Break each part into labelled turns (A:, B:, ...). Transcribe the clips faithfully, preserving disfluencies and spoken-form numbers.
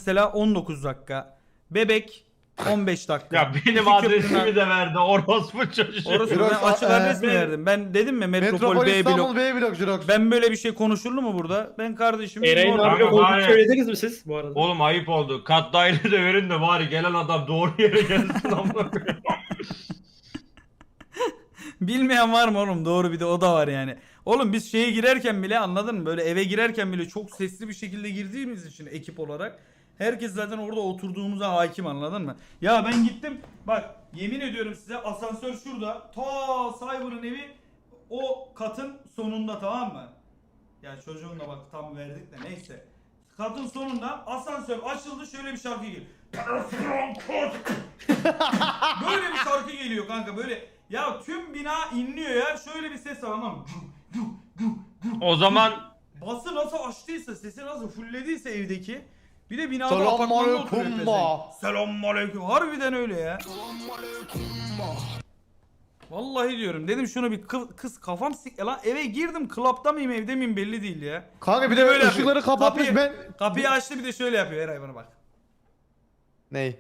A: mesela on dokuz dakika. Bebek on beş dakika.
B: Ya benim
A: İki
B: adresimi
A: köprüden-
B: de verdi orospu çocuğu.
A: Orası
C: Jirox,
A: ben açık
C: e,
A: adres mi
C: benim-
A: verdim? Ben dedim mi Metropol,
C: Metropol
A: B
C: İstanbul
A: blok.
C: B blok Jirox.
A: Ben böyle bir şey konuşuldu mu burada? Ben kardeşim.
D: Eray'ın
A: normal-
D: abiyle
B: Kanka,
D: olduğunu
B: var ya.
D: söylediniz mi siz bu arada?
B: Oğlum ayıp oldu. Kat daire de verin de bari gelen adam doğru yere gelsin amına koyayım.
A: Bilmeyen var mı oğlum? Doğru, bir de o da var yani. Oğlum biz şeye girerken bile, anladın mı? Böyle eve girerken bile çok sesli bir şekilde girdiğimiz için ekip olarak herkes zaten orada oturduğumuza hakim, anladın mı? Ya ben gittim bak, yemin ediyorum size, asansör şurada. Ta Cyber'ın evi o katın sonunda, tamam mı? Ya çocuğun da bak tam verdik de neyse. Katın sonunda asansör açıldı, şöyle bir şarkı geliyor. Böyle bir şarkı geliyor kanka, böyle ya tüm bina inliyor ya, şöyle bir ses var ama
B: O zaman
A: bası nasıl açtıysa, sesi nasıl fullediyse evdeki, bir de binada
C: Selamun
A: apartmanda
C: aleyküm
A: oturuyor
C: ma.
A: pezevenk. Selamünaleyküm, harbiden öyle ya. Vallahi diyorum, dedim şunu bir kı- kız kafam sik lan, eve girdim, klapta mıyım evde miyim belli değil ya.
C: Kanka bir
A: Bir
C: de
A: de böyle
C: böyle ışıkları
A: yapıyor.
C: kapatmış
A: Kapıyı-
C: ben.
A: Kapıyı açtı, bir de şöyle yapıyor, Eray bana bak.
C: Ney?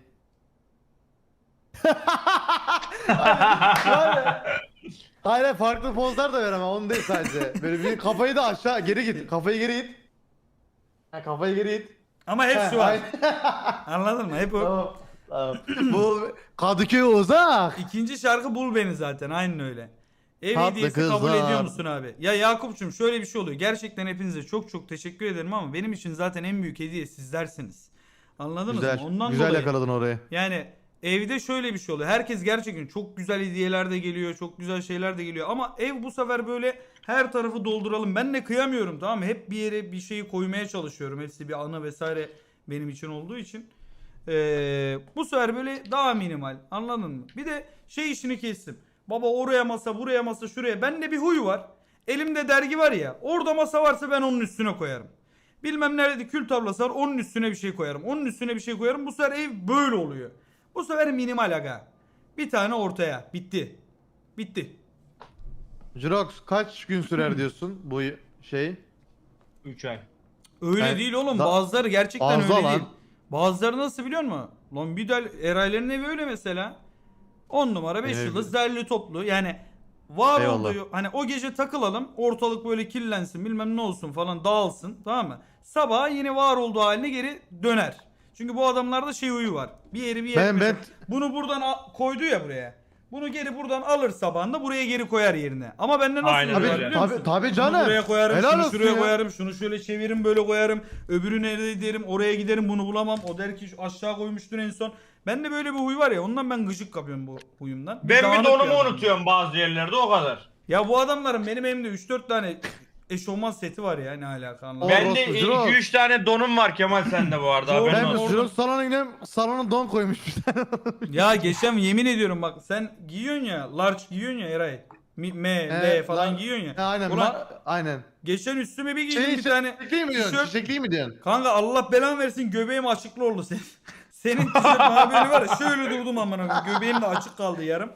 C: Hayır farklı pozlar da veremem onu değil sadece. Böyle bir kafayı da aşağı geri git. Kafayı geri it. Ha, kafayı geri it.
A: Ama hep
C: He,
A: şu var.
C: aynen.
A: Anladın mı? Hep o.
C: Tamam. Tamam. Bu Kadıköy uzak.
A: İkinci şarkı Bul Beni zaten, aynen öyle. Ev
C: Tatlı
A: hediyesi
C: kızlar.
A: kabul ediyor musun abi? Ya Yakup'cum, şöyle bir şey oluyor. Gerçekten hepinize çok çok teşekkür ederim ama benim için zaten en büyük hediye sizlersiniz. Anladınız
C: Güzel.
A: mı? Ondan
C: Güzel
A: dolayı.
C: yakaladın orayı.
A: Yani evde şöyle bir şey oluyor. Herkes gerçekten çok güzel hediyeler de geliyor, çok güzel şeyler de geliyor. Ama ev bu sefer böyle her tarafı dolduralım. Ben de kıyamıyorum, tamam mı? Hep bir yere bir şeyi koymaya çalışıyorum. Hepsi bir anı vesaire benim için olduğu için. Ee, bu sefer böyle daha minimal, anladın mı? Bir de şey işini kestim. Baba oraya masa, buraya masa, şuraya. Bende bir huy var. Elimde dergi var ya. Orada masa varsa ben onun üstüne koyarım. Bilmem nerede kül tablası var, onun üstüne bir şey koyarım. Onun üstüne bir şey koyarım. Bu sefer ev böyle oluyor. Bu sefer minimal aga. Bir tane ortaya. Bitti. Bitti.
C: Jirox kaç gün sürer diyorsun bu şey?
B: üç ay.
A: Öyle
C: Ben-
A: değil oğlum.
C: Da-
A: Bazıları gerçekten
C: Fazla
A: öyle
C: lan.
A: değil. Bazıları nasıl biliyor musun? Lan bir de Eray'ların evi öyle mesela. on numara beş
C: Evet.
A: yıldız derli toplu. Yani var
C: Eyvallah.
A: olduğu, hani o gece takılalım, ortalık böyle kirlensin, bilmem ne olsun falan, dağılsın, tamam mı? Sabah yine var olduğu haline geri döner. Çünkü bu adamlarda şey huyu var. Bir yeri bir yere
C: Ben-
A: mesela-
C: ben-
A: bunu buradan a- koydu ya buraya. Bunu geri buradan alır sabahında, buraya geri koyar yerine. Ama bende nasıl
B: Aynen
A: oluyor
B: öyle.
A: biliyor musun?
C: Tabii- tabii
A: Bunu
C: canım.
A: buraya koyarım,
C: Helal
A: şunu
C: olsun
A: şuraya
C: ya.
A: koyarım, şunu şöyle çeviririm, böyle koyarım. Öbürü nerede derim, oraya giderim, bunu bulamam. O der ki şu aşağı koymuştur en son. Bende böyle bir huy var ya, ondan ben gıcık kapıyorum bu huyumdan.
B: Ben bir
A: dağınık
B: donumu
A: adam.
B: unutuyorum bazı yerlerde o kadar.
A: Ya bu adamların benim elimde üç dört tane eşofman seti var ya, ne alaka anlamadım.
C: Ben-
B: Bende
C: Orospu, Jirox.
B: iki üç tane donum var Kemal sende bu arada.
A: Doğru.
B: haberin
C: Ben
B: olsun.
C: Jirox salona gidelim salona don koymuş bir tane.
A: Ya geçen yemin ediyorum bak, sen giyiyorsun ya, large giyiyorsun ya Eray. Mi- M, L
C: Evet,
A: falan
C: lan-
A: giyiyorsun ya.
C: Ha, aynen.
A: Ulan
C: ma- aynen.
A: geçen üstüme bir giydim
C: Şey,
A: bir tane.
C: çiçekli mi diyorsun?
A: tişört.
C: Çiçekli mi diyorsun?
A: Kanka Allah belanı versin, göbeğim açıklı oldu senin. Senin tişört bana böyle var ya, şöyle durdum amına koyayım. Göbeğim de açık kaldı yarım.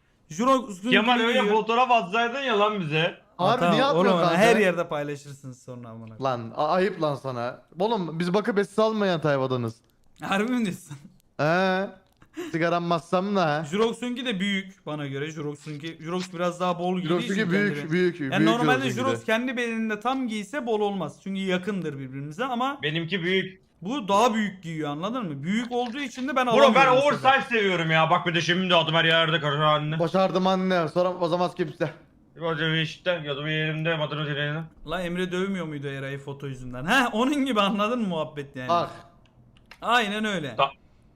A: Juro
B: Kemal öyle fotoğraf atsaydın ya lan bize.
C: Harbi niye atmıyorsun
A: oğlum,
C: kanka?
A: her yerde paylaşırsınız sonra amına koyayım.
C: Lan a- ayıp lan sana. Oğlum biz bakıp esiz almayan tayfadanız.
A: Harbi mi diyorsun?
C: He. Sigaram massam da.
A: Jurox'unki de büyük bana göre. Jurox'unki Jurox biraz daha bol giydiği için
C: Jirox'unki
A: kendine.
C: büyük büyük büyük.
A: Yani normalde
C: Jirox'unki
A: Jurox
C: de.
A: kendi bedeninde tam giyse bol olmaz. Çünkü yakındır birbirimize ama
B: Benimki büyük.
A: bu daha büyük giyiyor, anladın mı? Büyük olduğu için de ben
B: Bro
A: alamıyorum.
B: ben
A: bu sefer.
B: oversize seviyorum ya. Bak bir de şimdi adım her yerde karşı haline.
C: Başardım anne. Sonra o zaman kimse.
B: Hocam işte ya da bir yerimde madara direğine.
A: La Emre dövmüyor muydu Eray'ı foto yüzünden? Heh, onun gibi, anladın mı muhabbet yani?
C: Bak.
A: Aynen öyle.
B: Da-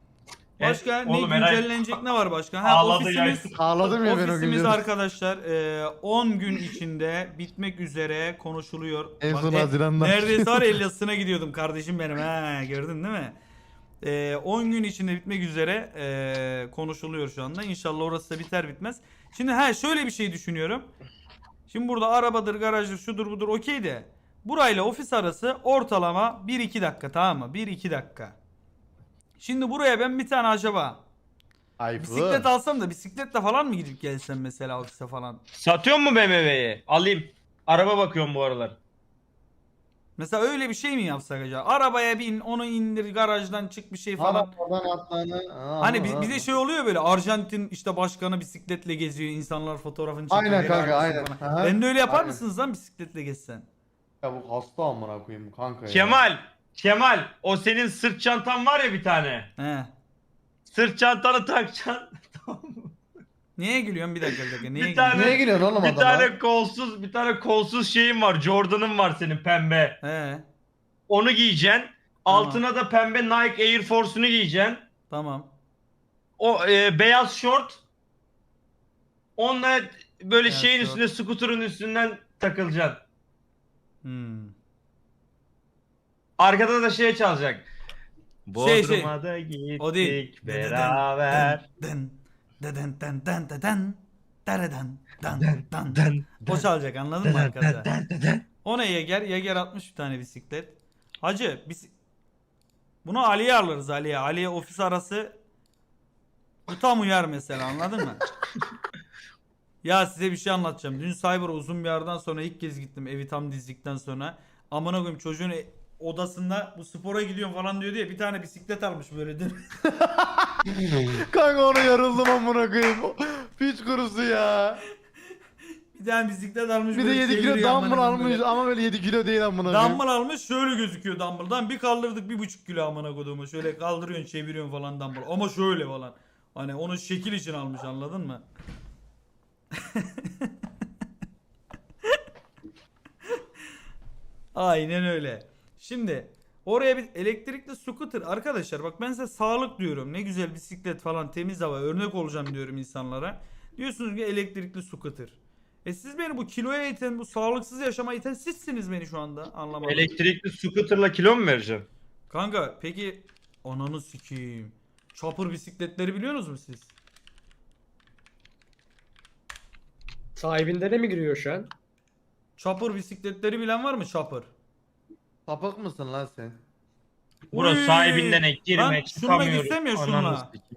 A: Başka
B: Evet,
A: ne
B: oğlum Eray-
A: güncellenecek ne var başka? Ha,
B: Ağladı
A: ofisimiz,
B: ya.
C: Ağladım ya ben o
A: ofisimiz
C: gün.
A: arkadaşlar e, on gün içinde bitmek üzere konuşuluyor.
C: En
A: Bak,
C: son
A: e,
C: Haziran'da.
A: Neredeyse var el yazısına gidiyordum kardeşim benim. Ha, gördün değil mi? E, on gün içinde bitmek üzere e, konuşuluyor şu anda. İnşallah orası da biter bitmez. Şimdi ha şöyle bir şey düşünüyorum. Şimdi burada arabadır, garajdır, şudur budur okey de. Burayla ofis arası ortalama bir iki dakika, tamam mı? bir iki dakika. Şimdi buraya ben bir tane acaba
C: Ayıp.
A: bisiklet alsam da bisikletle falan mı gidip gelsem mesela ofise falan?
B: Satıyor mu B M W'yi? Alayım. Araba bakıyorum bu aralar.
A: Mesela öyle bir şey mi yapsak acaba? Arabaya bin, onu indir, garajdan çık bir şey falan.
C: Arabadan atlanı.
A: Hani bi- bize şey oluyor böyle, Arjantin işte başkanı bisikletle geziyor, insanlar fotoğrafını çekiyor.
C: Aynen
A: helal
C: kanka,
A: olsun
C: aynen.
A: falan.
C: Aha,
A: Ben de öyle yapar
C: aynen.
A: mısınız lan bisikletle gezsen?
C: Ya bu hasta amına koyayım kanka ya.
B: Kemal, Kemal o senin sırt çantan var ya bir tane.
A: He.
B: Sırt çantanı takacaksın.
A: Niye gülüyorsun? Bir dakika bir dakika. Niye
B: Bir
A: gülüyorsun?
B: tane-
C: Niye gülüyorsun oğlum
B: Bir
C: adama?
B: tane kolsuz, bir tane kolsuz şeyin var. Jordan'ın var senin pembe.
A: He.
B: Onu giyeceksin.
A: Tamam.
B: Altına da pembe Nike Air Force'unu giyeceksin.
A: Tamam.
B: O e, beyaz şort. Onunla böyle
A: Beyaz
B: şeyin
A: şort.
B: üstüne, scooter'ın üstünden takılacaksın.
A: Hmm.
B: Arkada da şey çalacak.
A: Şey, şey.
B: Bodrum'a da gittik
A: O değil.
B: beraber.
A: Den den den den den den den den den.
B: Den,
A: O çalacak, anladın mı
B: den,
A: arkada?
B: den, den, den.
A: Ona Yeger, Yeger atmış bir tane bisiklet. Hacı biz bunu Ali'ye alırız, Ali'ye. Ali'ye ofis arası bu tam uyar mesela, anladın mı? Ya size bir şey anlatacağım. Dün Cyber'a uzun bir aradan sonra ilk kez gittim, evi tam dizdikten sonra. Amına koyayım, çocuğun e- odasında bu spora gidiyorum falan diyor diye bir tane bisiklet almış böyle dün.
C: Kanka ona yarıldım amına koyayım. Piç kurusu ya.
A: Bir tane bisiklet almış.
C: Bir de
A: böyle
C: yedi kilo
A: çeviriyor amına
C: dumbbell
A: koyayım
C: almış
A: böyle.
C: ama böyle yedi kilo değil amına koyayım.
A: Dumbbell almış, şöyle gözüküyor dumbbell'dan. Bir kaldırdık bir buçuk kilo amına koduğumu. Şöyle kaldırıyorsun, çeviriyorsun falan dumbbell. Ama şöyle falan. Hani onu şekil için almış, anladın mı? Aynen öyle. Şimdi oraya bir elektrikli scooter arkadaşlar, bak ben size sağlık diyorum. Ne güzel bisiklet falan, temiz hava, örnek olacağım diyorum insanlara. Diyorsunuz ki elektrikli scooter. E siz beni bu kiloya iten, bu sağlıksız yaşama iten sizsiniz beni şu anda, anlamadım.
B: Elektrikli scooter'la kilo mu vereceksin?
A: Kanka peki ananı sikeyim. Chopper bisikletleri biliyorsunuz mu siz?
D: Sahibinde de mi giriyor şu an?
A: Chopper bisikletleri bilen var mı, Chopper?
C: Sapık mısın lan sen?
B: Burası
A: Uy!
B: sahibinden ek
A: Lan
B: girmek
A: şununla
B: çıkamıyoruz.
A: gitsem ya,
B: Ananı
A: şununla.
B: sikeyim.